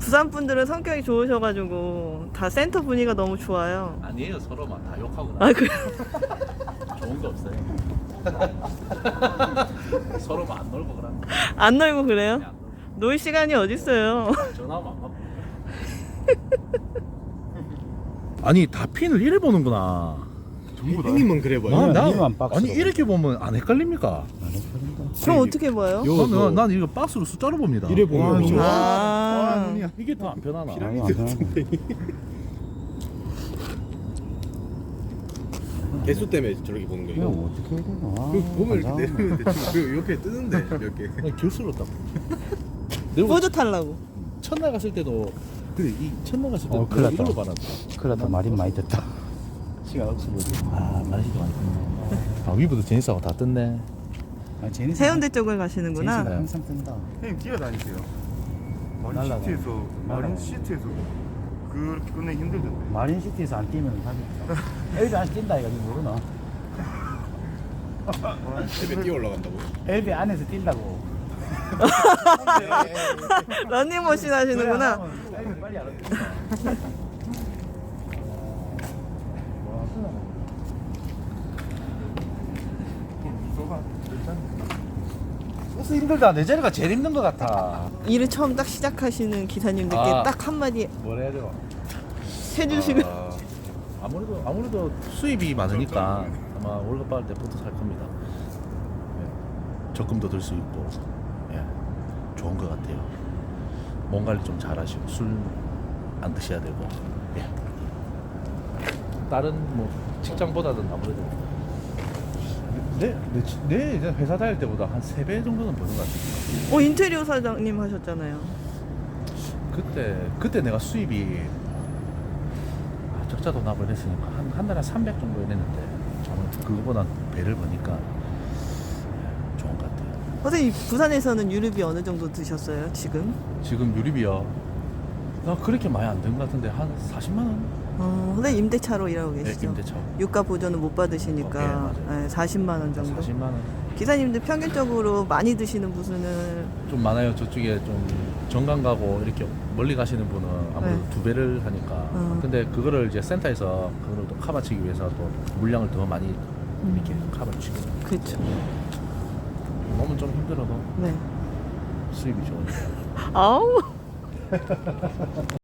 부산 분들은 성격이 좋으셔가지고 다 센터 분위기가 너무 좋아요. 아니에요. 서로만 다 욕하고 아, 그래? 좋은 거 없어요. 서로만 안 놀고 그러는 거. 안 놀고 그래요? 그냥 안 놀고. 놀 시간이 어딨어요. 전화하면 안 받고. 아니 다 핀을 이래 보는구나. 전부 다. 형님은 그래 봐요. 형님만 박스로 아니 이렇게 보면 안 헷갈립니까? 안 헷갈린다. 그럼 어떻게 봐요? 난 이거 박스로 숫자로 봅니다. 이래 보면 와, 좋아. 아, 눈이야. 이게 더 안 편하나? 피라미드 같은데. 개수 때문에 저렇게 보는 이거 거예요. 어떻게 해야 되나? 그 보면 이렇게 환장하네. 내리는데 그 옆에 뜨는데 몇 개. 그냥 교수로 딱. 내가 뿌듯하려고. 첫날 갔을 때도 그래 이 첫날 갔을 때도 큰일 났다. 이걸로 받았다. 큰일 났다. 말이 많이 듣다. 시간 없어보지. 아 말이도 많이 듣네. 아 위부도 제니스하고 다 뜯네. 아, 제니스 해운대 쪽을 가시는구나. 제니스가 항상 뜬다. 형님 뛰어다니세요. 마린 날라가. 시티에서 마린 시티에서 그렇게 끝내기 힘들던데. 마린시티에서 안 뛰면 답이 없다. 엘비 안에서 뛴다 이거 니 모르나? 집에 뛰어 올라간다고. 엘비 안에서 뛴다고. 러닝머신 하시는구나. 엘비 빨리 알아. 미소가 일단 버스 힘들다. 내 자리가 제일 힘든 것 같아. 일을 처음 딱 시작하시는 기사님들께 아. 딱 한마디 뭘 해야 돼요? 해주시면. 아무래도 수입이 많으니까 아마 월급 받을 때부터 살 겁니다. 예. 적금도 들 수 있고, 예. 좋은 것 같아요. 몸 관리 좀 잘하시고 술 안 드셔야 되고, 예. 다른 뭐 직장보다는 아무래도 내 이제 회사 다닐 때보다 한 3배 정도는 버는 것 같아요. 인테리어 사장님 하셨잖아요. 그때 내가 수입이 적자 돈납을 했으니까 한 달에 300 정도 했는데 아무래도 그거보다 배를 버니까 좋은 것 같아요. 선생님 부산에서는 유류비 어느 정도 드셨어요 지금? 지금 유리비요. 나 그렇게 많이 안 든 것 같은데 한 40만 원? 선생님 임대차로 일하고 계시죠? 임대차. 유가 보조는 못 받으시니까 네, 맞아요. 40만 원 정도. 40만 원. 기사님들 평균적으로 많이 드시는 부수는 좀 많아요. 저쪽에 좀 정강 가고 이렇게 멀리 가시는 분은 아무래도 네. 2배를 하니까. 근데 그거를 이제 센터에서 그거를 또 커버치기 위해서 또 물량을 더 많이 이렇게 커버를 치고. 그렇죠. 몸은 좀 힘들어도 네. 수입이 좋으니까. 아우.